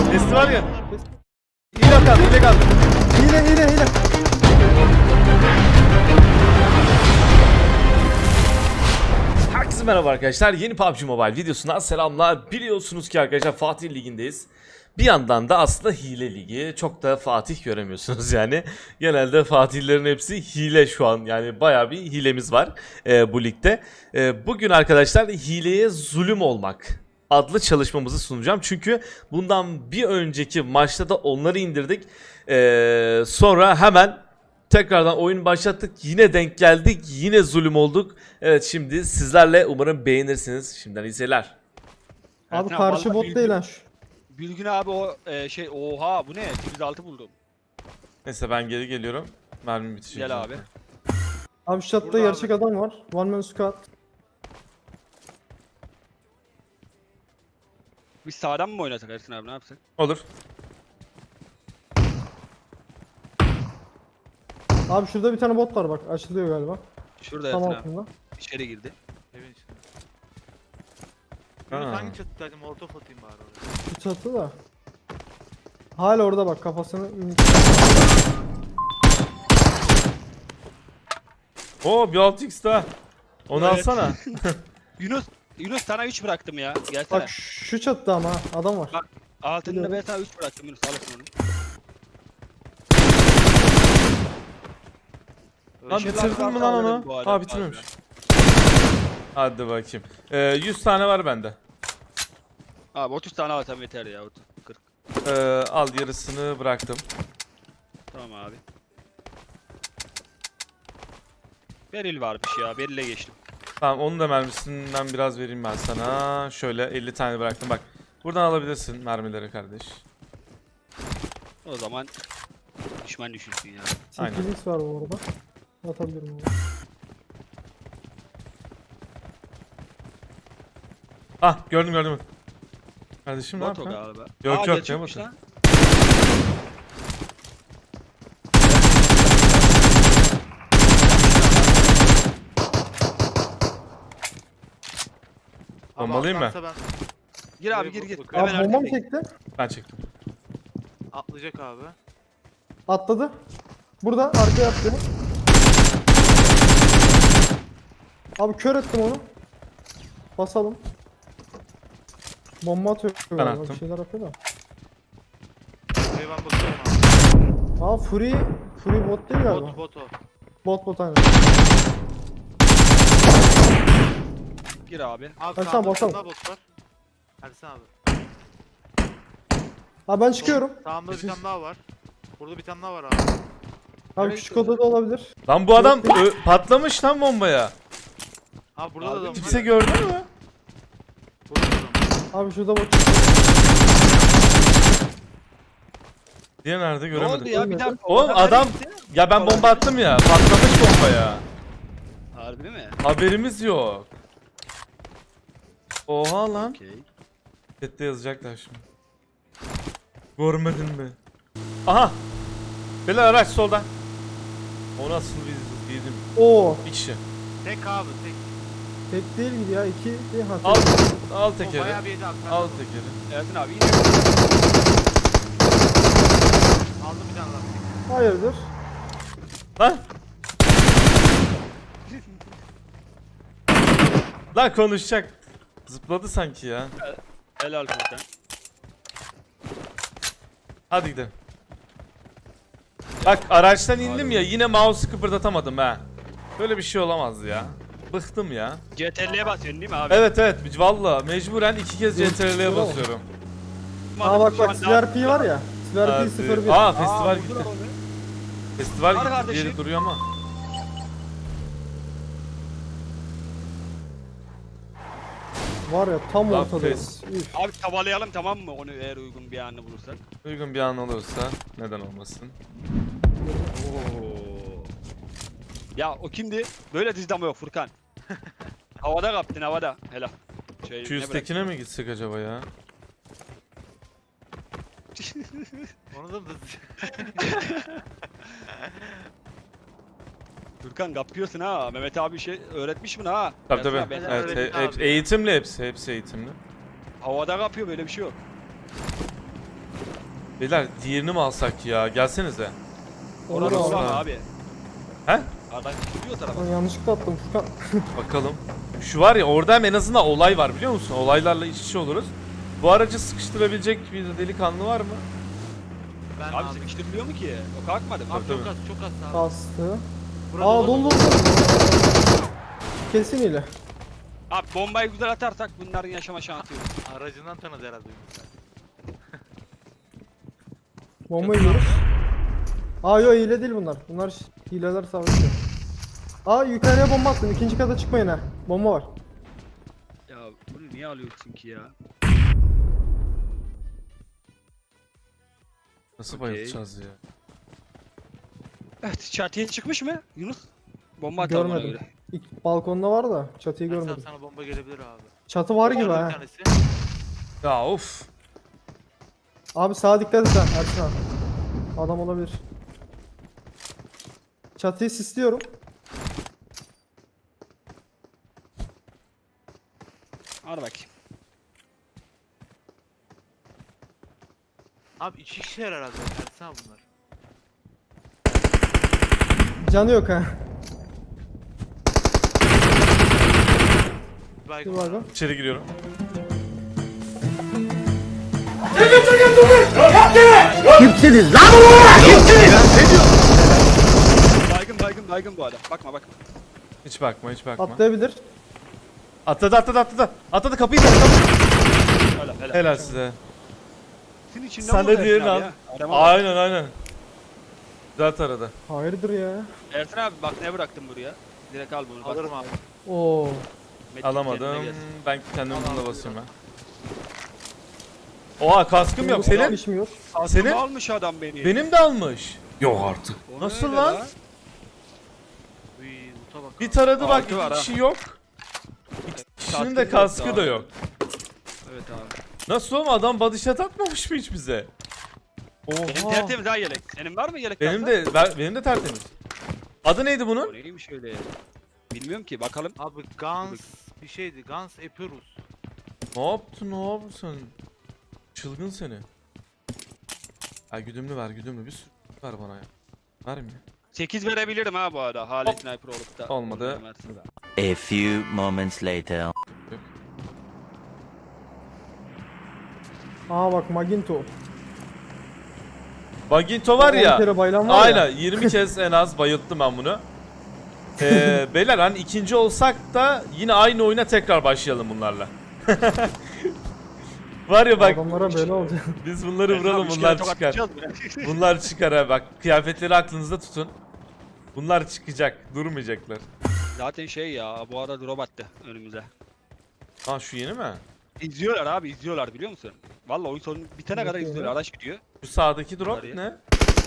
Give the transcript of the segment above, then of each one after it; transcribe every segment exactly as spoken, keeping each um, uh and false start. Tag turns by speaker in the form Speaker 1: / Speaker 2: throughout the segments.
Speaker 1: Nesi var ya. Hile kal, hile kal.
Speaker 2: Hile hile hile.
Speaker 1: Herkese merhaba arkadaşlar. Yeni P U B G Mobile videosundan selamlar. Biliyorsunuz ki arkadaşlar Fatih Ligi'ndeyiz. Bir yandan da aslında hile ligi. Çok da Fatih göremiyorsunuz yani. Genelde Fatihlerin hepsi hile şu an. Yani bayağı bir hilemiz var e, bu ligde. E, bugün arkadaşlar hileye zulüm olmak adlı çalışmamızı sunacağım. Çünkü bundan bir önceki maçta da onları indirdik. E, sonra hemen tekrardan oyun başlattık. Yine denk geldik. Yine zulüm olduk. Evet, şimdi sizlerle umarım beğenirsiniz. Şimdiden iyi seyirler.
Speaker 2: Abi
Speaker 3: Ya
Speaker 2: karşı
Speaker 3: vallahi
Speaker 2: bot
Speaker 3: Bilgün-
Speaker 2: değil lan şu.
Speaker 3: Bilgün abi o e, şey oha bu ne? sekiz altı buldum.
Speaker 1: Neyse ben geri geliyorum. Mermi bitecek.
Speaker 3: Gel abi.
Speaker 2: Abi şu chatta
Speaker 3: Burada
Speaker 2: gerçek adam var. One man squad.
Speaker 3: Biz sağdan mı oynasak Ersin abi ne yapsak?
Speaker 1: Olur.
Speaker 2: Abi şurada bir tane bot var bak. Açılıyor galiba.
Speaker 3: Şurada
Speaker 2: Tam
Speaker 3: Ersin abi.
Speaker 2: altında.
Speaker 3: İçeri girdi.
Speaker 4: Evin içinde.
Speaker 1: Ha.
Speaker 4: Yunus hangi çatıdaydı? Molotof atayım bari oraya.
Speaker 2: Şu çatı da. Hala orada bak kafasını.
Speaker 1: Oo, bir altı x daha. Onu
Speaker 3: Evet.
Speaker 1: alsana.
Speaker 3: Yunus Yunus sana üç bıraktım ya. Gelsene.
Speaker 2: Bak şu çatıda ama ha, adam var.
Speaker 3: Bak, Altında
Speaker 2: biliyorum.
Speaker 3: ben sana üç bıraktım Yunus alırsın onu.
Speaker 1: Lan
Speaker 3: Işıl
Speaker 1: bitirdin
Speaker 3: abi
Speaker 1: mi lan
Speaker 3: aldım
Speaker 1: onu?
Speaker 3: bu arada
Speaker 1: Ha, bitirmemiş. Hadi bakayım. Ee, yüz tane var bende.
Speaker 3: Abi otuz tane alsam yeter ya. otuz kırk.
Speaker 1: Ee, al, yarısını bıraktım.
Speaker 3: Tamam abi. Beril varmış ya. Beril'e geçtim.
Speaker 1: Tamam, onun da mermisinden biraz vereyim ben sana. Şöyle elli tane bıraktım bak. Buradan alabilirsin mermileri kardeş.
Speaker 3: O zaman düşman düşünsün ya.
Speaker 1: Aynen.
Speaker 2: sekiz x var bu arada. Atabilirim onu.
Speaker 1: Ah, gördüm gördüm. Kardeşim ne
Speaker 3: Bot o
Speaker 1: yapıyorsun?
Speaker 3: galiba.
Speaker 1: Yok, yok, ne
Speaker 3: gerçekmiş
Speaker 1: botu?
Speaker 3: lan.
Speaker 4: Abi
Speaker 1: Bombalayayım mı?
Speaker 4: atlarsa Ben...
Speaker 3: Gir abi gir gir.
Speaker 4: Abi
Speaker 3: Hemen
Speaker 2: Abi bomba mı
Speaker 3: arkadayım.
Speaker 2: çekti?
Speaker 1: Ben çektim.
Speaker 4: Atlayacak abi.
Speaker 2: Atladı. Burada arkaya attı. Abi kör ettim onu. Basalım. Bomba atıyor
Speaker 1: Ben
Speaker 2: galiba.
Speaker 1: attım.
Speaker 2: Bir şeyler yapıyor da.
Speaker 4: Buraya ben bakıyorum abi.
Speaker 2: Aa Fury. Fury bot değil galiba.
Speaker 4: Bot bot o.
Speaker 2: Bot bot aynen.
Speaker 3: Gir abi.
Speaker 4: Abi
Speaker 2: Ersan,
Speaker 4: sağında bir
Speaker 2: bakalım.
Speaker 4: tane daha bot var. Ersan abi.
Speaker 2: Ha ben çıkıyorum.
Speaker 4: Sağımda bir
Speaker 1: Siz-
Speaker 4: tane daha var. Burada bir tane daha var abi.
Speaker 2: Abi
Speaker 3: Nereye
Speaker 2: küçük odada olabilir.
Speaker 1: Lan bu adam ö, patlamış lan bombaya.
Speaker 4: Abi burada
Speaker 3: Abi
Speaker 4: da adam var.
Speaker 1: Kimse gördü mü?
Speaker 4: Burada da adam var.
Speaker 2: Abi şurada bot.
Speaker 1: Diye nerede
Speaker 3: Ne
Speaker 1: göremedim.
Speaker 3: oldu ya bir dakika. o
Speaker 1: Oğlum
Speaker 3: nereye
Speaker 1: adam,
Speaker 3: gitti?
Speaker 1: ya ben bomba attım ya, patlamış bombaya.
Speaker 3: Harbi mi?
Speaker 1: Haberimiz yok. Oha lan.
Speaker 3: Okey.
Speaker 1: Chat'te yazacaklar şimdi. Görmedin mi? Aha. Bela araç solda. O nasıl biz yedim?
Speaker 2: Oo.
Speaker 1: Bir kişi.
Speaker 4: Tek abi tek.
Speaker 2: Tek değil gibi ya. iki değil ha.
Speaker 1: Al, al
Speaker 4: O
Speaker 1: tekeri.
Speaker 4: bayağı bir yedi abi. Sen
Speaker 1: Al
Speaker 4: de-
Speaker 1: tekeri.
Speaker 3: Ersin abi iyi.
Speaker 4: Aldım bir tane lastik.
Speaker 2: Hayırdır?
Speaker 1: Lan. Lan konuşacak. Zıpladı sanki ya.
Speaker 3: Helal Furkan.
Speaker 1: Hadi gidelim. Bak araçtan indim ya, yine mouse'u kıpırdatamadım ha. Böyle bir şey olamaz ya. Bıktım ya.
Speaker 3: C T R'ye basıyorsun değil mi abi?
Speaker 1: Evet evet, valla mecburen iki kez C T R L'ye
Speaker 2: Bravo.
Speaker 1: basıyorum.
Speaker 2: Aa bak bak S V R P var ya. S V R P
Speaker 1: Hadi.
Speaker 2: sıfır bir.
Speaker 1: Aa,
Speaker 3: Aa,
Speaker 1: festival
Speaker 3: vurdular
Speaker 1: gitti.
Speaker 3: onu.
Speaker 1: Festival
Speaker 3: Var
Speaker 1: gitti
Speaker 3: kardeşim.
Speaker 1: diye duruyor ama.
Speaker 2: Var ya tam
Speaker 1: Lan
Speaker 2: ortadayız. Üf.
Speaker 3: Abi tavalayalım tamam mı onu eğer uygun bir anını bulursak.
Speaker 1: Uygun bir an olursa neden olmasın.
Speaker 3: Oo. Ya o kimdi? Böyle dizdi ama yok Furkan. Havada kaptın havada. Helal. Şey,
Speaker 1: Şu
Speaker 3: ne
Speaker 1: üsttekine mi gitsek acaba ya?
Speaker 4: Onu da
Speaker 3: Furkan kapıyorsun ha. Mehmet abi şey öğretmiş mi ha?
Speaker 1: Tabii
Speaker 3: Ersin
Speaker 1: tabii.
Speaker 3: abi, ben-
Speaker 4: Evet.
Speaker 1: Evet,
Speaker 4: öğretmen
Speaker 1: he- hep,
Speaker 4: abi.
Speaker 1: eğitimli hepsi, hepsi eğitimli.
Speaker 3: Havada kapıyor böyle bir şey yok.
Speaker 1: Beyler diğerini mi alsak ya? Gelsenize.
Speaker 2: Olur
Speaker 3: Orada
Speaker 2: abi.
Speaker 3: olan abi.
Speaker 1: He?
Speaker 3: Adam gidiyor tarafa.
Speaker 2: Ben yanlışlıkla attım Furkan.
Speaker 1: Bakalım. Şu var ya orada hem en azından olay var biliyor musun? Olaylarla iç içe oluruz. Bu aracı sıkıştırabilecek bir delikanlı var mı?
Speaker 4: Ben
Speaker 3: Abi
Speaker 4: abi.
Speaker 3: sıkıştırılıyor mu ki? O kalkmadı mı?
Speaker 4: Abi
Speaker 1: Tabii,
Speaker 4: çok
Speaker 1: tabii.
Speaker 4: az çok az abi.
Speaker 2: Bastı.
Speaker 4: Burada
Speaker 2: Aa
Speaker 4: dolu.
Speaker 2: dolu dolu. Kesin ile.
Speaker 3: Abi bombayı güzel atarsak bunların yaşama şansı yok.
Speaker 4: Aracından tanıdı herhalde Yunus.
Speaker 2: Bomba yiyoruz. Aa yok hile değil bunlar. Bunlar ş- hileler savaşıyor. Aa yukarıya bomba attım. İkinci kata çıkmayın ha. Bomba var.
Speaker 3: Ya bunu niye alıyorsun ki ya?
Speaker 1: Nasıl
Speaker 3: Okey.
Speaker 1: bayılacağız ya?
Speaker 3: Evet çatıya çıkmış mı Yunus? Bomba atalım ona
Speaker 2: Görmedim.
Speaker 3: göre.
Speaker 2: İlk balkonda var da çatıyı
Speaker 4: Ersan
Speaker 2: görmedim.
Speaker 4: sana bomba gelebilir abi.
Speaker 2: Çatı var gibi
Speaker 4: Orada
Speaker 2: ha.
Speaker 4: bir tanesi.
Speaker 1: Ya of.
Speaker 2: Abi sağa dikkat et sen Ersin abi. Adam olabilir. Çatıyı sisliyorum.
Speaker 3: Hadi bakayım.
Speaker 4: Abi iki kişiler herhalde Ersan bunlar.
Speaker 2: Canı yok ha.
Speaker 4: Bir baygın
Speaker 2: Bir
Speaker 4: var
Speaker 2: baygın.
Speaker 4: abi.
Speaker 1: İçeri giriyorum.
Speaker 3: Baygın baygın baygın bu adam. Bakma bakma.
Speaker 1: Hiç bakma hiç bakma.
Speaker 2: Atlayabilir.
Speaker 1: Atladı atladı atladı. Atladı kapıyı da.
Speaker 3: Helal helal.
Speaker 1: Helal size.
Speaker 3: Senin içinde
Speaker 1: Sen
Speaker 3: mi
Speaker 1: de
Speaker 3: oldu
Speaker 1: diğerini
Speaker 3: Ersin
Speaker 1: al.
Speaker 3: abi ya? Adama bak.
Speaker 1: Aynen aynen. Güzel taradı.
Speaker 2: Hayırdır ya.
Speaker 3: Ersin abi bak ne bıraktım buraya. Direkt al bunu. bak.
Speaker 4: Alırım abi.
Speaker 2: Oo.
Speaker 3: Medkit
Speaker 1: Alamadım.
Speaker 3: kendine gelsin.
Speaker 1: Ben kendim
Speaker 4: Al,
Speaker 1: bununla
Speaker 4: al,
Speaker 1: basıyorum ben. Oha kaskım yok. Senin?
Speaker 2: Pişmiyor.
Speaker 1: Senin?
Speaker 3: Aklımı almış adam beni.
Speaker 1: Benim de almış. Yok artık.
Speaker 3: O
Speaker 1: Nasıl
Speaker 3: öyle
Speaker 1: lan?
Speaker 4: Uy, uta bak.
Speaker 1: Bir
Speaker 4: abi.
Speaker 1: taradı bak
Speaker 3: Altı var
Speaker 1: iki
Speaker 3: ha.
Speaker 1: kişi yok. İki kişinin
Speaker 3: Kaskı
Speaker 1: de
Speaker 3: yok
Speaker 1: kaskı
Speaker 3: daha.
Speaker 1: da yok.
Speaker 3: Evet abi.
Speaker 1: Nasıl oğlum adam body shot atmamış mı hiç bize?
Speaker 3: Benim
Speaker 1: Oha.
Speaker 3: tertemiz ha yelek. Senin var mı yelek?
Speaker 1: Benim
Speaker 3: kanka?
Speaker 1: de ben, benim de tertemiz. Adı neydi
Speaker 3: O
Speaker 1: bunun?
Speaker 3: neymiş öyle ya? Bilmiyorum ki bakalım.
Speaker 4: Abi Guns bir şeydi. Guns Epirus.
Speaker 1: Ne yaptın ne yaptın? Çılgın seni. Ha güdümlü ver güdümlü bir sürü ver bana ya. Vermiyor.
Speaker 3: sekiz verebilirim ha bu arada. Hale
Speaker 1: Hop.
Speaker 3: sniper olup da.
Speaker 1: Olmadı.
Speaker 3: Versin.
Speaker 5: A few moments later.
Speaker 2: Aa bak Maginto.
Speaker 1: Baginto var
Speaker 2: on
Speaker 1: ya.
Speaker 2: kere bayılan var
Speaker 1: Aynen
Speaker 2: ya.
Speaker 1: yirmi kez en az bayılttım ben bunu. Ee, beyler hani ikinci olsak da yine aynı oyuna tekrar başlayalım bunlarla. Var ya bak
Speaker 2: Adamlara böyle olacak.
Speaker 1: biz bunları
Speaker 3: Ersin abi,
Speaker 1: vuralım
Speaker 3: üç kere
Speaker 1: bunlar
Speaker 3: tokat
Speaker 1: çıkar.
Speaker 3: atacağız mı?
Speaker 1: Bunlar çıkar ha bak kıyafetleri aklınızda tutun. Bunlar çıkacak durmayacaklar.
Speaker 3: Zaten şey ya bu arada drop attı önümüze.
Speaker 1: Ha şu yeni mi?
Speaker 3: İzliyorlar abi izliyorlar biliyor musun? Vallahi oyun sonu bitene kadar
Speaker 2: Bakıyorum.
Speaker 3: izliyorlar. Araç gidiyor.
Speaker 1: Şu sağdaki drop
Speaker 3: Var ya.
Speaker 1: ne?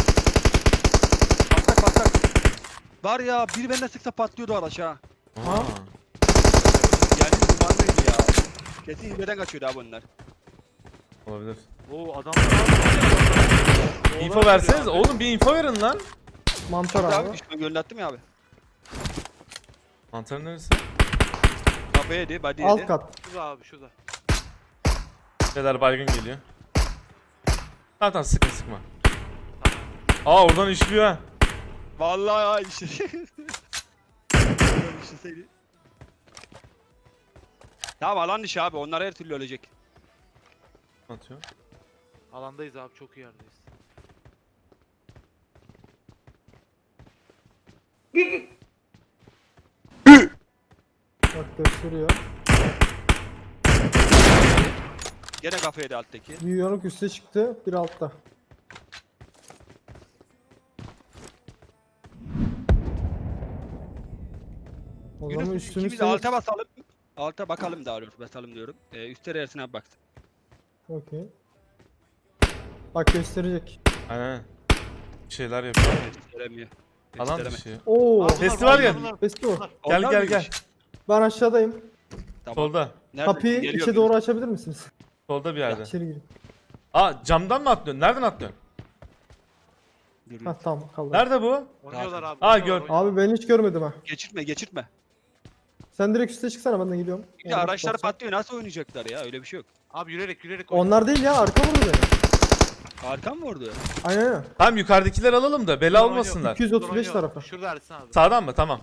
Speaker 3: Patlak patlak. Var ya bir benden sıksa patlıyordu araç ha.
Speaker 1: Ha.
Speaker 3: Yani dumanlıydı ya. Kesin hileden kaçıyordu abi onlar.
Speaker 1: Olabilir.
Speaker 4: Oo adam.
Speaker 1: İnfo verseniz oğlum bir info verin lan.
Speaker 2: Mantar
Speaker 3: Abi,
Speaker 2: abi.
Speaker 3: abi düşman gönderttim ya abi.
Speaker 1: Mantar neresi?
Speaker 3: Kapıya yedi, body yedi.
Speaker 2: Alt kat.
Speaker 4: Şurada abi şurada.
Speaker 1: Şeyler baygın geliyor. Tamam tamam sıkma sıkma. Aa oradan işliyor ha.
Speaker 3: Vallahi ya işte. Oradan işleseydi. Tamam alan dışı abi onlar her türlü ölecek.
Speaker 1: Atıyor.
Speaker 4: Alandayız abi çok iyi yerdeyiz.
Speaker 2: Bak gösteriyor.
Speaker 3: Gene kafaya yedi alttaki.
Speaker 2: Bir yanık üste çıktı. Bir altta. O zaman
Speaker 3: Yunus
Speaker 2: üstünü
Speaker 3: ikimiz de alta basalım. Alta bakalım daha doğrusu basalım diyorum. Ee, üstte Ersin abi baksın.
Speaker 2: Okey. Bak gösterecek.
Speaker 1: Aynen. Bir şeyler yapıyor.
Speaker 3: Gösteremiyor.
Speaker 1: Alan
Speaker 3: Göstereme.
Speaker 1: dışı.
Speaker 2: Oo.
Speaker 4: Aa, bunlar
Speaker 1: Festival
Speaker 4: var,
Speaker 1: gel.
Speaker 4: bunlar-
Speaker 2: Festival.
Speaker 4: bunlar.
Speaker 1: Gel
Speaker 3: Onlar
Speaker 1: gel
Speaker 3: mıymış?
Speaker 1: gel.
Speaker 2: Ben aşağıdayım.
Speaker 3: Tamam.
Speaker 1: Solda.
Speaker 3: Nerede?
Speaker 2: Kapıyı
Speaker 3: Geliyor
Speaker 2: içe
Speaker 3: muyuz?
Speaker 2: doğru açabilir misiniz?
Speaker 1: Solda bir yerde.
Speaker 2: İçeri girin.
Speaker 1: Aa camdan mı atlıyorsun? Nereden atlıyorsun?
Speaker 3: Geliyor.
Speaker 2: Ha tamam kaldı.
Speaker 1: Nerede bu?
Speaker 4: Oynuyorlar abi.
Speaker 1: Aa,
Speaker 4: oynuyorlar,
Speaker 1: gör.
Speaker 4: oynuyorlar.
Speaker 2: Abi ben hiç görmedim ha.
Speaker 3: Geçirtme geçirtme.
Speaker 2: Sen direkt üste çıksana ben de gidiyorum.
Speaker 3: Bir de
Speaker 2: Orada
Speaker 3: araçlar
Speaker 2: basacağım.
Speaker 3: patlıyor nasıl oynayacaklar ya öyle bir şey yok.
Speaker 4: Abi yürüyerek yürüyerek oynuyor.
Speaker 2: Onlar değil ya arka vurdu beni.
Speaker 3: Arkan mı vurdu?
Speaker 2: Aynen aynen.
Speaker 1: Tamam yukarıdakiler alalım da bela olmasınlar.
Speaker 2: iki yüz otuz beş
Speaker 4: Şurada
Speaker 2: tarafa.
Speaker 4: Şurada Ersin abi.
Speaker 1: Sağdan mı? Tamam.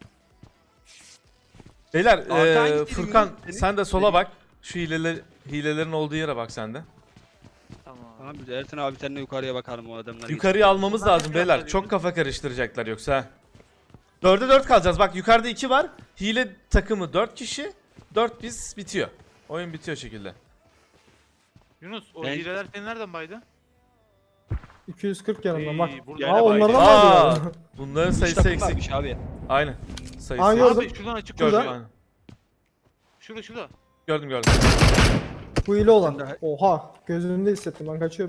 Speaker 1: Beyler
Speaker 3: Arkadan
Speaker 1: eee,
Speaker 3: gidelim
Speaker 1: Furkan
Speaker 3: ya, senin.
Speaker 1: sen de sola
Speaker 3: Senin.
Speaker 1: bak. Şu hileler, hilelerin olduğu yere bak sen de.
Speaker 4: Tamam abi.
Speaker 3: Tamam biz Ersin abi seninle yukarıya bakalım o adamlar.
Speaker 1: Yukarıya almamız
Speaker 4: Bunlar
Speaker 1: lazım
Speaker 4: ne
Speaker 1: beyler.
Speaker 4: tarafta
Speaker 1: Çok
Speaker 4: değil
Speaker 1: kafa karıştıracaklar yoksa. ha. Dörde dört kalacağız. Bak yukarıda iki var. Hile takımı dört kişi. Dört biz bitiyor. Oyun bitiyor şekilde.
Speaker 4: Yunus o
Speaker 3: Ben-
Speaker 4: hileler seni nereden baydı?
Speaker 2: iki yüz kırk yanımdan bak.
Speaker 4: İyi, burada.
Speaker 2: Aa onlardan mı
Speaker 1: Aa,
Speaker 2: aldı?
Speaker 1: bunların
Speaker 3: Üç
Speaker 1: sayısı
Speaker 3: takım
Speaker 1: eksik.
Speaker 3: varmış abi.
Speaker 1: Aynen. Sayısı
Speaker 2: Aa,
Speaker 1: eksik.
Speaker 2: gördüm.
Speaker 4: Abi şuradan açık
Speaker 1: Gördüm.
Speaker 2: Şurada.
Speaker 1: Aynen.
Speaker 4: Şurada şurada.
Speaker 1: Gördüm gördüm.
Speaker 2: Bu hile olan.
Speaker 3: Sen de-
Speaker 2: Oha gözümde hissettim ben kaçıyorum.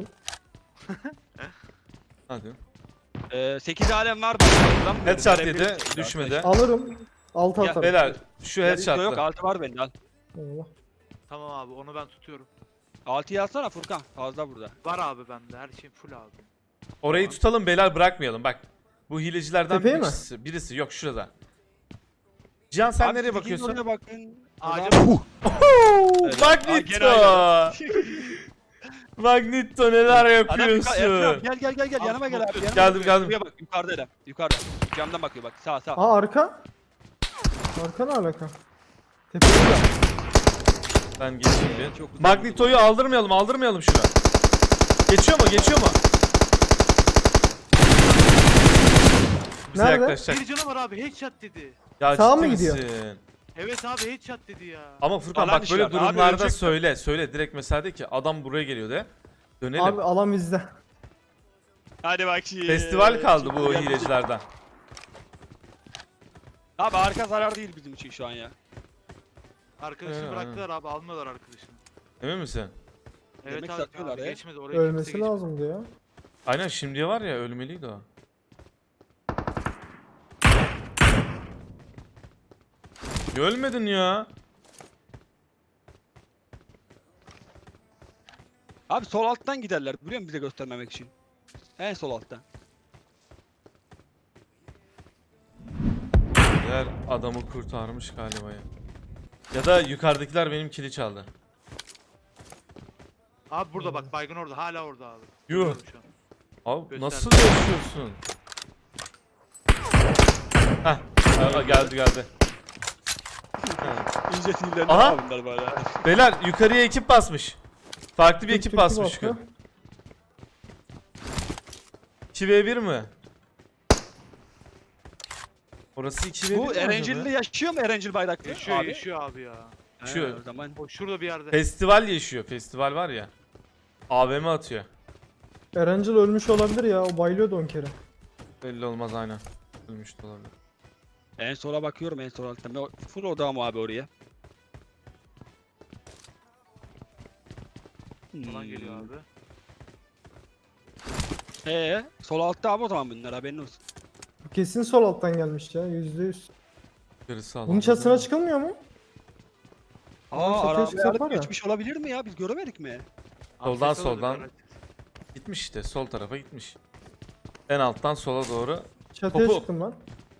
Speaker 1: Hadi.
Speaker 3: Ee, sekiz alem var. Lan böyle
Speaker 1: Headshot
Speaker 3: verebiliriz.
Speaker 1: yedi. Düşmedi.
Speaker 2: Alırım. Altı
Speaker 3: Ya,
Speaker 2: atarım.
Speaker 1: Beyler şu
Speaker 3: Yok
Speaker 1: headshot'lı.
Speaker 3: altı var bende al.
Speaker 2: Eyvah.
Speaker 4: Tamam abi onu ben tutuyorum.
Speaker 3: altıyı alsana Furkan. Fazla burada.
Speaker 4: Var abi bende her şeyim full abi.
Speaker 1: Orayı tutalım beyler bırakmayalım bak. Bu hilecilerden
Speaker 2: Tepeye mi?
Speaker 1: birisi, birisi yok şurada. Cihan sen
Speaker 3: Abi,
Speaker 1: nereye
Speaker 3: sizin
Speaker 1: bakıyorsun?
Speaker 3: oraya bakın.
Speaker 4: Ağaca
Speaker 3: Adam- Evet. Aa,
Speaker 1: Magneto!
Speaker 3: gene aynı.
Speaker 1: Magneto neler
Speaker 3: Adam yukarı- Ersin abi,
Speaker 1: yapıyorsun?
Speaker 3: gel gel gel gel
Speaker 4: Abi,
Speaker 3: yanıma gel abi. Yanıma
Speaker 1: Geldim,
Speaker 3: gel.
Speaker 1: geldim.
Speaker 3: Şuraya bak yukarıda adam. Yukarıda. Camdan bakıyor bak sağ sağ.
Speaker 2: Aa arka. Arka ne alaka? Tepeye gel.
Speaker 1: Ben geçeyim bir.
Speaker 3: Çok güzel
Speaker 1: Magneto'yu aldırmayalım, aldırmayalım şunu. Geçiyor mu? Geçiyor mu? Bize
Speaker 2: Nerede?
Speaker 1: yaklaşacak.
Speaker 4: Bir canı var abi headshot dedi.
Speaker 1: Ya
Speaker 2: Sağa
Speaker 1: ciddi
Speaker 2: mı gidiyor?
Speaker 1: misin?
Speaker 4: Evet abi headshot dedi ya.
Speaker 1: Ama Furkan
Speaker 3: Alan
Speaker 1: bak böyle
Speaker 3: dışı var. Abi
Speaker 1: durumlarda
Speaker 3: ölecek.
Speaker 1: söyle. Söyle direkt mesela de ki adam buraya geliyor de. Dönelim.
Speaker 2: Abi alan bizde.
Speaker 3: Hadi bak şimdi.
Speaker 1: Festival kaldı bu
Speaker 3: Şimdi yapacak-
Speaker 1: hilecilerden.
Speaker 3: Abi arka zarar değil bizim için şu an ya.
Speaker 4: Arkadaşını
Speaker 1: Ee,
Speaker 4: bıraktılar abi almıyorlar arkadaşını.
Speaker 1: Emin misin?
Speaker 4: Evet
Speaker 3: Demek
Speaker 4: abi,
Speaker 3: satıyorlar
Speaker 4: abi
Speaker 3: ya.
Speaker 4: geçmedi oraya kimse
Speaker 2: Ölmesi
Speaker 4: geçmedi.
Speaker 2: lazımdı ya.
Speaker 1: Aynen şimdiye var ya ölmeliydi o. Niye ölmedin ya?
Speaker 3: Abi sol alttan giderler biliyor musun bize göstermemek için. En sol alttan.
Speaker 1: Diğer adamı kurtarmış galiba ya. Ya da yukarıdakiler benim kili çaldı.
Speaker 4: Abi burada bak baygın orada hala orada abi.
Speaker 1: Yuh.
Speaker 4: Görüyorum şu an.
Speaker 1: Abi
Speaker 4: Göster.
Speaker 1: nasıl yaşıyorsun? Heh, aa, geldi geldi.
Speaker 3: İyice sinirlendi
Speaker 1: Aha!
Speaker 3: abi bunlar böyle.
Speaker 1: Beyler yukarıya ekip basmış. Farklı bir
Speaker 2: Türk-
Speaker 1: ekip
Speaker 2: Türk'ü
Speaker 1: basmış.
Speaker 2: bastı.
Speaker 1: iki ve bir mi? Orası iki ve bir
Speaker 3: Bu
Speaker 1: mi acaba?
Speaker 3: Erencil'de yaşıyor mu Erencil bayraklı?
Speaker 4: Yaşıyor
Speaker 3: abi?
Speaker 4: yaşıyor abi ya.
Speaker 3: He,
Speaker 1: Yaşıyor.
Speaker 3: o zaman.
Speaker 4: O şurada bir yerde.
Speaker 1: Festival yaşıyor. Festival var ya. A V M atıyor.
Speaker 2: Erencil ölmüş olabilir ya. O bayılıyordu on kere.
Speaker 1: Belli olmaz aynen. Ölmüş de olabilir.
Speaker 3: En sola bakıyorum en sol alttan. Ben o- full odağım abi oraya.
Speaker 4: Falan
Speaker 3: Hmm.
Speaker 4: geliyor abi.
Speaker 3: Ee, sol altta abi o zaman bunlar haberin olsun.
Speaker 2: Bu kesin sol alttan gelmiş ya. Yüzde yüz.
Speaker 1: Gerisi
Speaker 2: Bunun
Speaker 1: alamadı.
Speaker 2: çatısına çıkılmıyor mu?
Speaker 3: Aa
Speaker 2: çatıya
Speaker 3: araba
Speaker 2: çıksak
Speaker 3: yardım
Speaker 2: var ya.
Speaker 3: geçmiş olabilir mi ya? Biz göremedik mi?
Speaker 1: Soldan,
Speaker 4: Abi ses alıyorduk
Speaker 1: soldan.
Speaker 4: araç.
Speaker 1: Gitmiş işte. Sol tarafa gitmiş. En alttan sola doğru.
Speaker 2: Çatıya
Speaker 1: Topu.
Speaker 2: çıktım ben.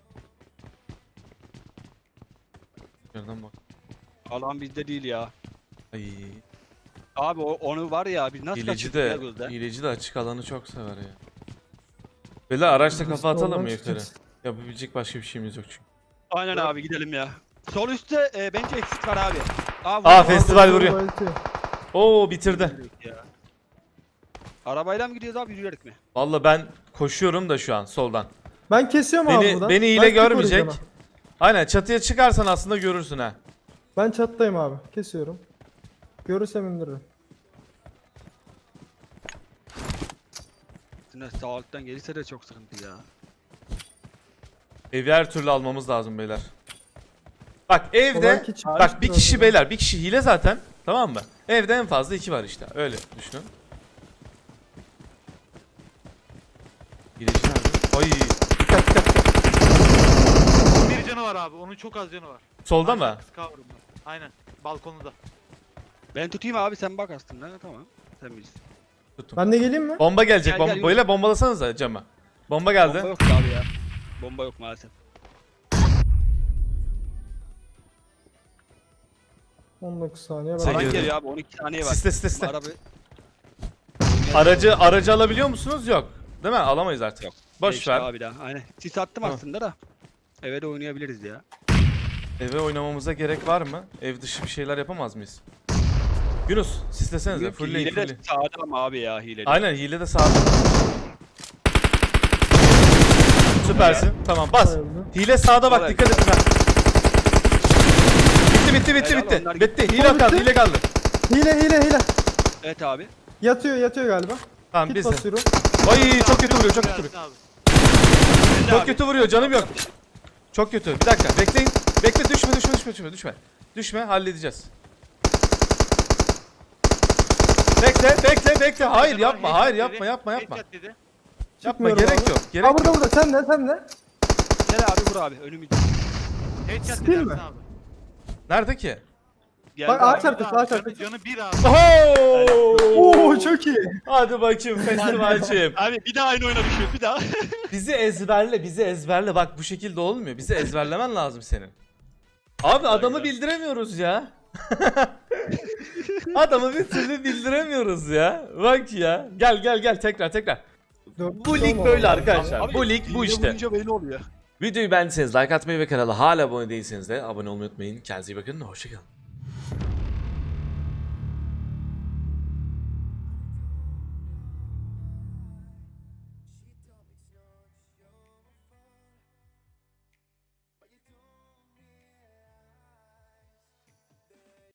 Speaker 1: Yerden bak.
Speaker 3: Alan bizde değil ya.
Speaker 1: Ay.
Speaker 3: Abi o, onu var ya biz nasıl
Speaker 1: Hileci
Speaker 3: kaçırdık ya
Speaker 1: de,
Speaker 3: gözde?
Speaker 1: hileci de açık alanı çok sever ya. Beyler araçla
Speaker 2: Biz
Speaker 1: kafa atalım
Speaker 2: soldan
Speaker 1: mı yukarı?
Speaker 2: çıkacağız.
Speaker 1: Yapabilecek başka bir şeyimiz yok çünkü.
Speaker 3: Aynen abi gidelim ya. Sol üstte e, bence eksik var abi. Aa,
Speaker 1: Aa,
Speaker 3: vurdu.
Speaker 1: festival
Speaker 2: Aldı,
Speaker 1: vuruyor.
Speaker 2: bayıltıyor.
Speaker 1: Oo bitirdi.
Speaker 3: Ya. Arabayla mı gidiyoruz abi yürüyerek mi?
Speaker 1: Valla ben koşuyorum da şu an soldan.
Speaker 2: Ben kesiyorum abi
Speaker 1: Beni
Speaker 2: buradan.
Speaker 1: beni
Speaker 2: Ben
Speaker 1: hile
Speaker 2: tek
Speaker 1: görmeyecek.
Speaker 2: vuracağım
Speaker 1: Aynen çatıya çıkarsan aslında görürsün ha.
Speaker 2: ha. Ben çattayım abi. Kesiyorum. Görürsem indiririm.
Speaker 3: Üstüne sağ alttan gelirse de çok sıkıntı ya.
Speaker 1: Evi her türlü almamız lazım beyler. Bak evde
Speaker 2: Belki çıkmış
Speaker 1: bak bir
Speaker 2: biraz
Speaker 1: kişi
Speaker 2: daha.
Speaker 1: beyler bir kişi hile zaten tamam mı? Evde en fazla iki var işte öyle düşünün. Hileci nerede? Ay dikkat dikkat dikkat.
Speaker 4: Onun bir canı var abi. Onun çok az canı var.
Speaker 1: Solda
Speaker 4: Aşağı
Speaker 1: mı?
Speaker 4: kız cover'ında. Aynen. Balkonunda.
Speaker 3: Ben tutayım abi sen bak aslında tamam. Sen bilirsin.
Speaker 1: Tuttum.
Speaker 2: Ben de geleyim mi?
Speaker 1: Bomba gelecek.
Speaker 3: Gel,
Speaker 1: Bomba
Speaker 3: gel,
Speaker 1: böyle bombalasanıza cama. Bomba geldi.
Speaker 3: Bomba yok abi ya. Bomba yok maalesef.
Speaker 2: on dokuz saniye.
Speaker 1: Sen
Speaker 2: Ben
Speaker 1: gel.
Speaker 3: Alan
Speaker 1: girdi.
Speaker 3: geliyor abi on iki saniye var.
Speaker 1: Siste siste siste.
Speaker 3: Araba...
Speaker 1: Aracı aracı alabiliyor musunuz? Yok. Değil mi? Alamayız artık.
Speaker 3: Yok.
Speaker 1: Boş
Speaker 3: Geçti
Speaker 1: ver.
Speaker 3: abi daha. Aynen. Sis attım
Speaker 1: Tamam.
Speaker 3: aslında da. Eve de oynayabiliriz ya.
Speaker 1: Eve oynamamıza gerek var mı? Ev dışı bir şeyler yapamaz mıyız? Yunus, sislesenize.
Speaker 3: Yok ki,
Speaker 1: Fullleyin,
Speaker 3: hile de
Speaker 1: fullleyin.
Speaker 3: sağda ama abi ya hile. de.
Speaker 1: Aynen hile de sağda. Süpersin. Tamam bas.
Speaker 2: Bayıldı.
Speaker 1: Hile sağda bak
Speaker 3: Kolay.
Speaker 1: dikkat et. Bitti bitti bitti
Speaker 3: Helal,
Speaker 1: bitti.
Speaker 3: onlar
Speaker 1: Bitti.
Speaker 3: gitti.
Speaker 1: Hile
Speaker 2: Bitti.
Speaker 1: kaldı, hile kaldı.
Speaker 2: Hile hile hile.
Speaker 3: Evet abi.
Speaker 2: Yatıyor yatıyor galiba.
Speaker 1: Tamam
Speaker 2: Kit
Speaker 1: biz de.
Speaker 2: basıyorum.
Speaker 1: Ay çok kötü vuruyor, çok kötü vuruyor.
Speaker 4: Abi.
Speaker 3: Ben de
Speaker 1: Çok
Speaker 3: abi.
Speaker 1: kötü vuruyor, canım yok. Çok kötü. Bir dakika bekleyin. Bekle düşme düşme düşme düşme düşme. Düşme halledeceğiz. Bekle bekle bekle. Hayır yapma hayır yapma yapma yapma.
Speaker 4: Headshot dedi.
Speaker 1: Yapma
Speaker 2: Çıkmıyorum
Speaker 1: gerek
Speaker 2: abi.
Speaker 1: yok. Gerek
Speaker 2: Aa burada
Speaker 1: yok.
Speaker 2: burada sen de sen de.
Speaker 3: Gel abi vur abi önümüzde.
Speaker 4: Headshot
Speaker 2: Skill
Speaker 4: dedi
Speaker 2: mi?
Speaker 4: Ersin abi.
Speaker 1: Nerede ki?
Speaker 3: Geldi
Speaker 2: Bak,
Speaker 3: abi.
Speaker 2: ağaç arkası,
Speaker 4: Canı-
Speaker 2: ağaç arkası.
Speaker 4: Canı bir abi.
Speaker 1: Oho!
Speaker 2: Oo çok iyi.
Speaker 1: Hadi bakayım festivalciğim.
Speaker 3: Abi bir daha aynı oyuna düşüyor bir daha.
Speaker 1: Bizi ezberle, bizi ezberle. Bak bu şekilde olmuyor. Bizi ezberlemen lazım senin. Abi adamı bildiremiyoruz ya. Adamı bir türlü bildiremiyoruz ya. Bak ya. Gel gel gel tekrar tekrar.
Speaker 2: Dört
Speaker 1: Bu lig
Speaker 2: olmadı.
Speaker 1: böyle arkadaşlar.
Speaker 3: Abi,
Speaker 1: Bu lig bu
Speaker 3: hile
Speaker 1: işte.
Speaker 3: vurunca belli oluyor.
Speaker 1: Videoyu beğendiyseniz like atmayı ve kanala hala abone değilseniz de abone olmayı unutmayın. Kendinize iyi bakın. Hoşçakalın.